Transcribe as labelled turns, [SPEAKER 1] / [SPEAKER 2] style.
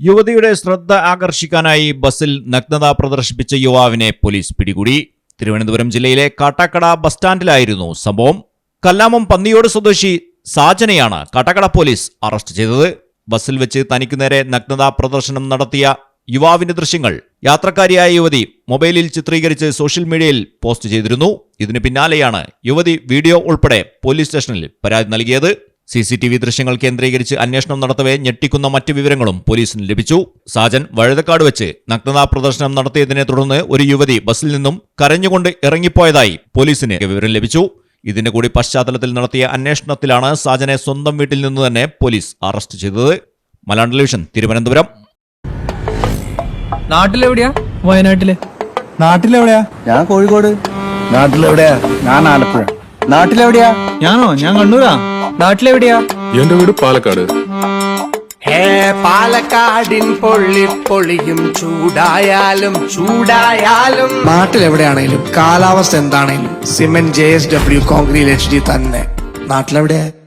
[SPEAKER 1] യുവതിയുടെ ശ്രദ്ധ ആകർഷിക്കാനായി ബസ്സിൽ നഗ്നത പ്രദർശിപ്പിച്ച യുവാവിനെ പോലീസ് പിടികൂടി. തിരുവനന്തപുരം ജില്ലയിലെ കാട്ടാക്കട ബസ് സ്റ്റാൻഡിലായിരുന്നു സംഭവം. കല്ലാമം പന്നിയോട് സ്വദേശി സാജനെയാണ് കാട്ടാക്കട പോലീസ് അറസ്റ്റ് ചെയ്തത്. ബസ്സിൽ വെച്ച് തനിക്കു നേരെ നഗ്നതാ പ്രദർശനം നടത്തിയ യുവാവിന്റെ ദൃശ്യങ്ങൾ യാത്രക്കാരിയായ യുവതി മൊബൈലിൽ ചിത്രീകരിച്ച് സോഷ്യൽ മീഡിയയിൽ പോസ്റ്റ് ചെയ്തിരുന്നു. ഇതിന് പിന്നാലെയാണ് യുവതി വീഡിയോ ഉൾപ്പെടെ പോലീസ് സ്റ്റേഷനിൽ പരാതി നൽകിയത്. CCTV ദൃശ്യങ്ങൾ കേന്ദ്രീകരിച്ച് അന്വേഷണം നടത്തവേ ഞെട്ടിക്കുന്ന മറ്റ് വിവരങ്ങളും പോലീസിന് ലഭിച്ചു. സാജൻ വഴുതക്കാട് വെച്ച് നഗ്നതാ പ്രദർശനം നടത്തിയതിനെ തുടർന്ന് ഒരു യുവതി ബസ്സിൽ നിന്നും കരഞ്ഞുകൊണ്ട് ഇറങ്ങിപ്പോയതായി പോലീസിന് വിവരം ലഭിച്ചു. ഇതിന്റെ കൂടി പശ്ചാത്തലത്തിൽ നടത്തിയ അന്വേഷണത്തിലാണ് സാജനെ സ്വന്തം വീട്ടിൽ നിന്ന് തന്നെ പോലീസ് അറസ്റ്റ് ചെയ്തത്. മലയാളം ടെലിവിഷൻ, തിരുവനന്തപുരം.
[SPEAKER 2] നാട്ടിലെവിടെയാ? വയനാട്ടില്.
[SPEAKER 3] നാട്ടിലെവിടെയാ? ഞാൻ കോഴിക്കോട്. നാട്ടിലെവിടെയാ? ഞാൻ ആലപ്പുഴ. നാട്ടിലെവിടെയാ?
[SPEAKER 2] ഞാനോ? ഞാൻ കണ്ണൂരാ. നാട്ടിലെവിടെയാ?
[SPEAKER 4] എന്റെ വീട് പാലക്കാട്.
[SPEAKER 5] പാലക്കാടിൻ പൊള്ളിപ്പൊളിയും ചൂടായാലും നാട്ടിലെവിടെയാണേലും കാലാവസ്ഥ എന്താണേലും സിമെന്റ് JSW കോൺക്രീറ്റ് HD തന്നെ. നാട്ടിലെവിടെയാ?